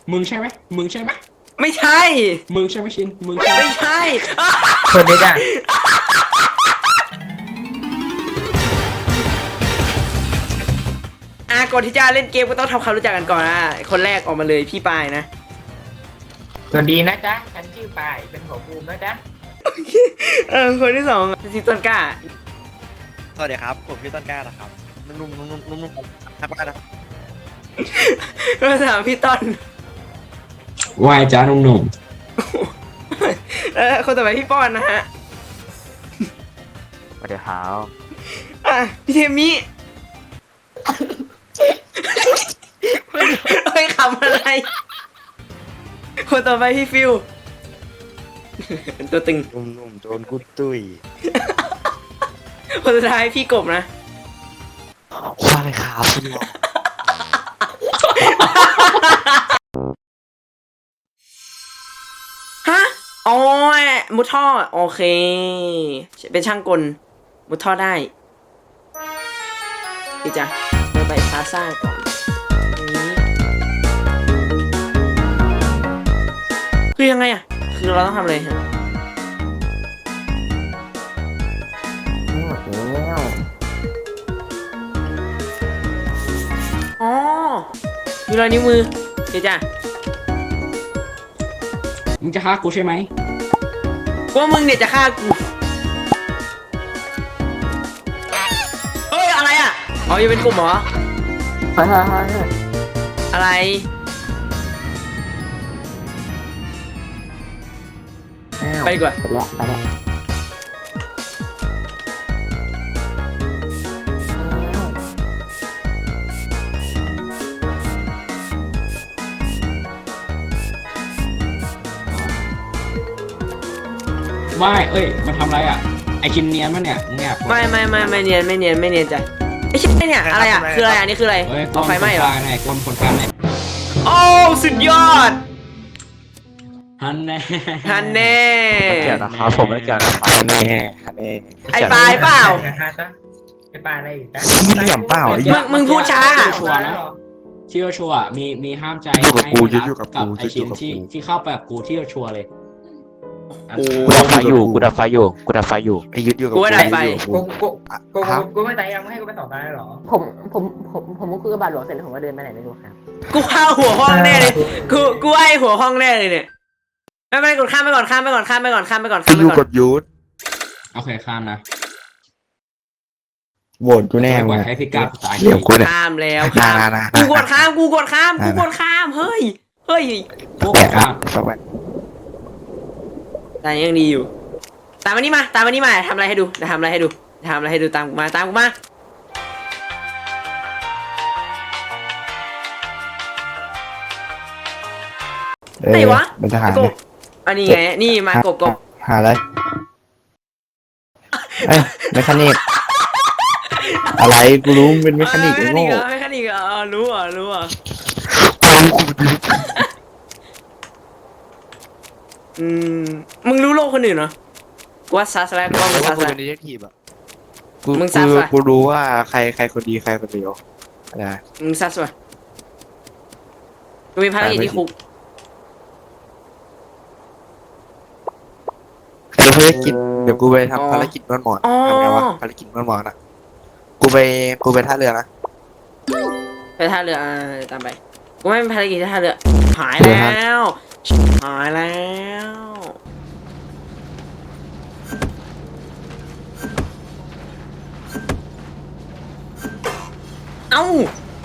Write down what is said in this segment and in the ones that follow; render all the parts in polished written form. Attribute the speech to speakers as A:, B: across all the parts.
A: มึงใช่ไหมมึงใช่ไหม
B: ไม่ใช่
A: มึงใช่ไหมชินมึงใช่ไหม
B: ไม่ใช่
C: คนนี้จ้ะ
B: ก่อนที่จะเล่นเกมก็ต้องทำความรู้จักกันก่อนนะคนแรกออกมาเลยพี่ปายนะ
C: สวัสดีนะจ๊ะฉันชื่อปายเป็นหัวภูมินะจ๊ะ
B: คนที่สองซีต้นกล้า
D: สวัสดีครับผมพี่ต้นกล้านะครับนุ่มๆนุ่มๆนุ่มๆครับนะครับ
B: คนที่สามพี่ต้น
A: วายจ้าหนุ่ม
B: คนต่อไปพี่ป้อนนะฮะ
E: สวัสดีครับ
B: พี่เทมิเฮ้ยขำอะไร คนต่อไปพี่ฟิวตัวตึง
D: นุ่มๆโดนกุดตุ้ย
B: คนสุดท้ายพี่กบนะ
D: ใช่ครับคุณหมอ
B: ฮะอ๋อมุดท่อโอเค เป็นช่างกลมุดท่อได้อีจ้ะเราไปพลาซ่าก่อนนี้คือยังไงอ่ะ คือเราต้องทำอะไรฮะอ๋อมีรอยนิ้วมือเดี๋ยวจ้ะ
A: ๆมึงจะฆ่ากูใช่ไหม
B: กูว่ามึงเนี่ยจะฆ่ากูเฮ้ยอะไรอ่ะอ๋อยังเป็นกลุ่มเหรออะไรไปดีกว่า
A: ว่ายเอ้ยมันทำอะไรอ่ะไอชินเนียนมั้เนี่ยมึงแอบ
B: ไม่เนียนไม่เนียนจ้ะไม่ใช่เนี่ยอะไรอ่ะคืออะไรอันนี้คืออะไร
A: เฮ้ย
B: เอาไฟไหม้เหรอ
A: ไหนกลมคนกลางไหน
B: โอ้สุดยอด
A: ฮันแน่
B: ฮันแน่
E: ไม่เกี่ยวนะครับผมไม่เกี่ยวนะครับ
D: แน่แน่
B: ไอ้ปลายเปล่า
C: นะคะจ๊ะไอ้ปลายอะไรอีกจ๊ะ
D: เหลี่ยมเปล่าไอ้
B: มึงพูดช้า
A: ชัวร์นะที่ชัวร์มีห้ามใจ
D: อยู่กับกู
A: ให้
D: อยู่กับกู
A: ไอชิน
D: อยู่กับกู
A: ที่เข้าไปกับกูที่ชัวร์เลย
B: โอ้
E: กูดับไฟอยู่กูดับไฟอยู่
D: ไอ้ยึดอยู่กับ
B: กูว่าได้ไป
C: กูไม่ตายยังไม่ให้กูไปต่อตายหรอ
F: ผมคุยกับบาทหลวงเสร็จแล้วผมก็เดินไปไหนไม่รู้ครับ
B: กูว่าหัวห้องแน่เลยกูว่าไอ้หัวห้องแน่เลยเนี่ยไม่กดข้ามไปก่อนข้ามไปก่อน
D: กูอยู่กับยุทธ
A: โอเคข้ามนะ
D: โหวตกูแน่
A: ปล่
D: มึ
A: อย
D: ง
A: ให้พี่กาตาย
D: เหลี่ยมกูเนี่ย
B: ข้ามแล้ว
D: นะ
B: กูกดข้ามเฮ้ย
A: พวก
D: แปะ
A: ข้าม
D: สักวัน
B: แต่ยังดีอยู่ตามมานี่มาทำอะไรให้ดูตามกูมา ไหนวะ
D: มันจะหา
B: ไอ้กบอันนี้ไงนี่มากบ
D: หาอะไรเอ้ยเมคานิกอะไรกูรู้มันเป็นเมคานิกไอ้โง่
B: เมคานิกรู้อ่ะมึงรู้โลกคนอื่นเหรอกูว่าซัสแล้วกูว่ามึงซัส
D: กู
B: แล้ว
D: เป็นดีเทคทีฟอ่ะกู
B: มึงซับว่ะ
D: กูรู้ว่าใครคนดีใครคนเดียวนะ
B: มึงซัสวะกูมีภารกิจที่คุก
D: เดี๋ยวภารกิจเดี๋ยวกูไปทำภารกิจนวดหมอนทำไงวะภารกิจนวดหมอนอ่ะกูไปท่าเรือนะ
B: ไปท่าเรือตามไปกูไม่มีภารกิจที่ท่าเรือหายแล้วเอ้า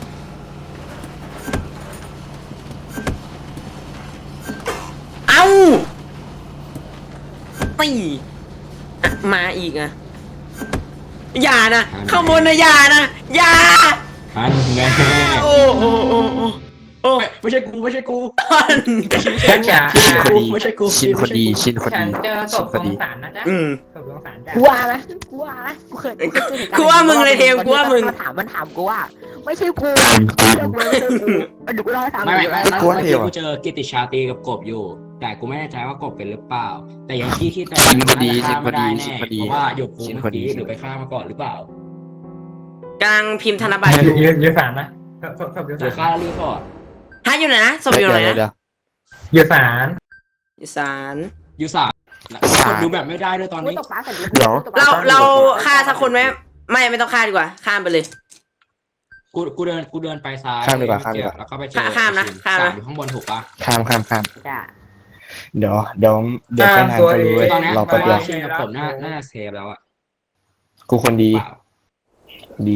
B: ตีมาอีกอ่ะอย่านะข้างบนนะอย่า
A: ฮันแน่
B: โอ้
A: ไม่ใช่กู
C: ฉันจะ
D: ชินคนดี
A: ไม่ใช่กู
D: ชินคนดีชินคน
C: ฉัน
D: ดี
C: เจอศ
D: ชิ
C: พ
D: น
C: ข
D: ค
C: อน ง
D: ดี
C: ศาลนะจ๊ะศพของศาลจ้ะ
F: กูว่านะกูเคย
B: กูว่ามึงเลยเทมกูว่ามึง
F: มันถามกูว่า ไม่ใช่กูเดี๋ยวกูเล่าให้ฟัง
A: ไม่
D: กลัวเหรอ
A: กูเจอกิติชาตรีกับกบอยู่ แต่กูไม่แน่ใจว่ากบเป็นหรือเปล่า แต่ยังคิดแต่
D: ชินคนดี
A: ฆ่าไม่ได้
D: ชิน
A: แน่
D: คนดี
A: เพราะว่าหยกกู
D: ชิน
A: เมื่
D: ค
A: อน
D: ดี
A: กี้หรือไปฆ่ามาก่อนหรือเปล่าก
B: ำลังพิมพ์ธนบัตรอยู่
C: ยืนศาลนะศพ
A: หรือฆ่ารีพอร์ต
B: ฮะอยู่ไหนนะศพอยู่ไหน
D: เดี๋ยว
B: นะ
C: อยู่ศาล
B: อยู่ศาล
A: ยูสามกดดูแบบไม่ได้ด้วยตอน
F: กู
A: นี้
F: ตกปลาเสร็จ
B: เราฆ่าสักคนไหมไม่ต้องฆ่าดีกว่าข้ามไปเลย
A: กูเดินไปซ้าย
D: ข้ามดีกว่าข้ามดีกว่า
A: แล้วก็ไปเจอ
B: ข้ามนะข้ามนะ
A: สอยู่ข้างบนถูกปะ
D: ข้าม
F: จ้ะ
D: เดี๋ยวไปทางเขารู้เว้ย
A: ตอนเนี้ย
D: เรา
A: เพ
D: แป๊บ
A: ราะ
D: เดีย
A: ว่าว ชินกับผมน่าจะเซฟแล้วอะ
D: กูคนดี
A: เปล่า
D: ดี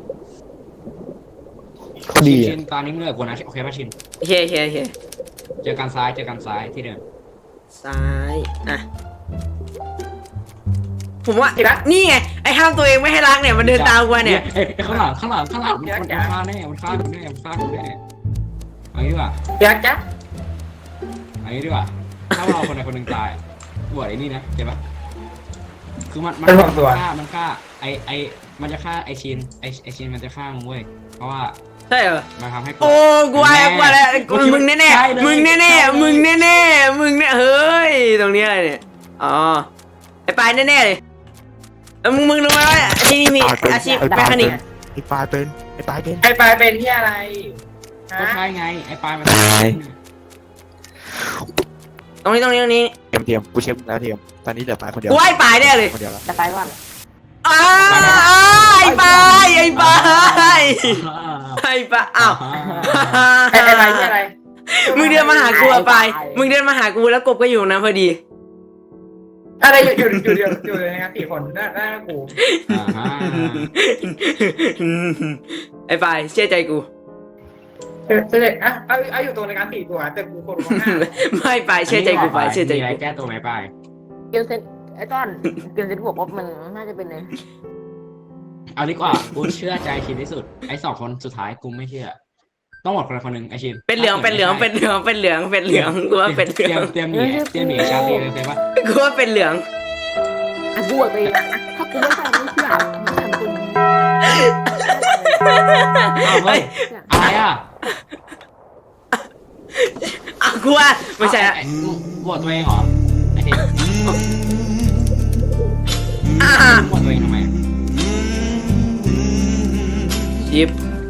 D: เขาดี
A: ชิ
D: อะ
A: นตอนนี้มึงเหลือกูนะโอเคป่ะชิน
B: โอเคโอเคโอเค
A: เจอกันซ้ายที่เดิม
B: ซ้ายอ่ะผมว่านี่ไงไอ้ห้ามตัวเองไม่ให้รักเนี่ยมันเดินตามกูมาเนี่ย
A: เอ้ยข้างหลังมันฆ่าแน่มันฆ่ากูแน่เอางี้ดีกว่า
C: เดี๋ยวจ๊ะ
A: เอางี้ดีกว่าถ้าเราคนใดคนหนึ่งตายบวชไอ้นี่นะเจ็บปะคือมันฆ่าไอมันจะฆ่าไอชินไอชินมันจะฆ่ามึงเว้ยเพราะว่า
B: ใช่เหรอ
A: มันทำให้กู
B: โอ้กูว่าแล้วมึงแน่ๆมึงแน่ๆมึงแน่ๆมึงเนี่ยเฮ้ยตรงนี้อะไรเนี่ยอ๋อไอ้ปลายแน่ๆเลยมึงรู้ไหมว่าที่นี่มีอาชีพแมคานิก
D: ไอ้ปลายเป็น
C: ไอ้ปลายเป็นที่อะไร
A: ก็ใช่ไงไอ้ปลายมัน
B: ตรงนี้
D: เทียมกูเช็คแล้วเทียมตอนนี้เหลือปลายคนเดียว
B: กูว่าไอ้ปลายแน่เลย
D: คนเดียวแล้ว
F: จะไปว่า
B: ไอ้ปลายไอ้ปลายอ้าว
C: ไอ้อะไรที่อะไร
B: มึงเดินมาหากูอะปลายมึงเดินมาหากูแล้วกบก็อยู่นะพอดี
C: อะไรอยู่ในงาน4 คนหน้ากู
B: ไอ้ปลายเชื่อใจกู
C: เสร็จอ่ะเอาอยู่ตรงในงาน4 ตัวแต่กูคนข้างหน้า
B: ไม่ปลายเชื่อใจกูปลายเชื่อใจ
A: มีอะไร
B: กู
A: แก้ตัวไหมปลาย
F: เกมเซนไอ้ต้นเกมเซนบอกว่ามันน่าจะเป็นเลย
A: เอาดีกว่ากูเชื่อใจชินที่สุดไอ้2 คนสุดท้ายกูไม่เชื่อต้องหมดคนละคนหนึ่งไอ้ชิน
B: เป็นเหลืองกูว่าเป็นเหลือง
A: เตรียมหนีชาลีเลยใช่ปะ
B: กูว่าเป็นเหลือง
F: อ่ะบวชไปนะถ้ากูไม่ใช่ไม่เชื่อไม่ทำคุณ
A: อ้าวเฮ้ยอะไรอ่ะ
B: กูว่าไม่ใช่ละ
A: บวชตัวเองเหรอไอ้ชินบวชตัวเองทำไม
B: ชิป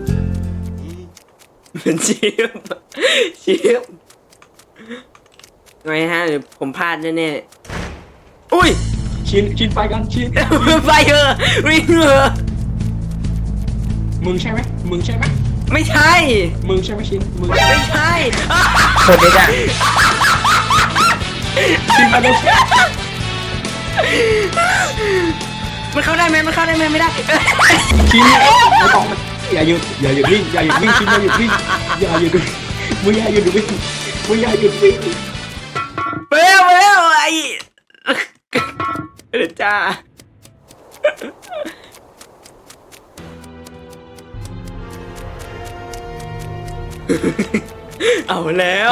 B: เป็นชิปไงฮะหรือผมพลาดแน่ๆอุ้ย
A: ชินไปกันชิน
B: ไปเถอะวิ่งเถอะ
A: มึงใช่ไหม
B: ไม่ใช่
A: มึงใช่ไหมชินมึง
B: ไม่ใช่
C: คนนี้จ้ะ
A: ชินมาเลย
B: มันเข้าได้ไหมไม่ได้
A: ชินไม่ต้องอย่าหยุดวิ่งชินอย่าหยุดวิ่งมึงอย่าหยุดวิ่ง
B: ไปแล้วไอ้เดี๋ยวจ้าเอาแล้ว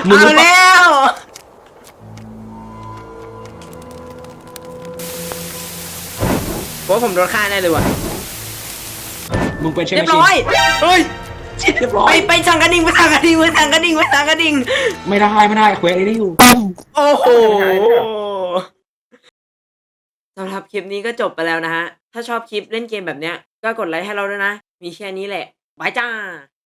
B: เพราะผมโดนฆ่าแน่เลยว่ะ
A: มึงเป็นใช่ไหม
B: เรียบ
A: ชิน
B: ร้อยเฮ้ย
A: เรียบร้อย
B: ไปสั่งกระดิ่งไม่ได้เควสไอ้นี่อยู่ โอ้โหสำหรับคลิปนี้ก็จบไปแล้วนะฮะถ้าชอบคลิปเล่นเกมแบบเนี้ยก็กดไลค์ให้เราด้วยนะมีแค่นี้แหละบายจ้า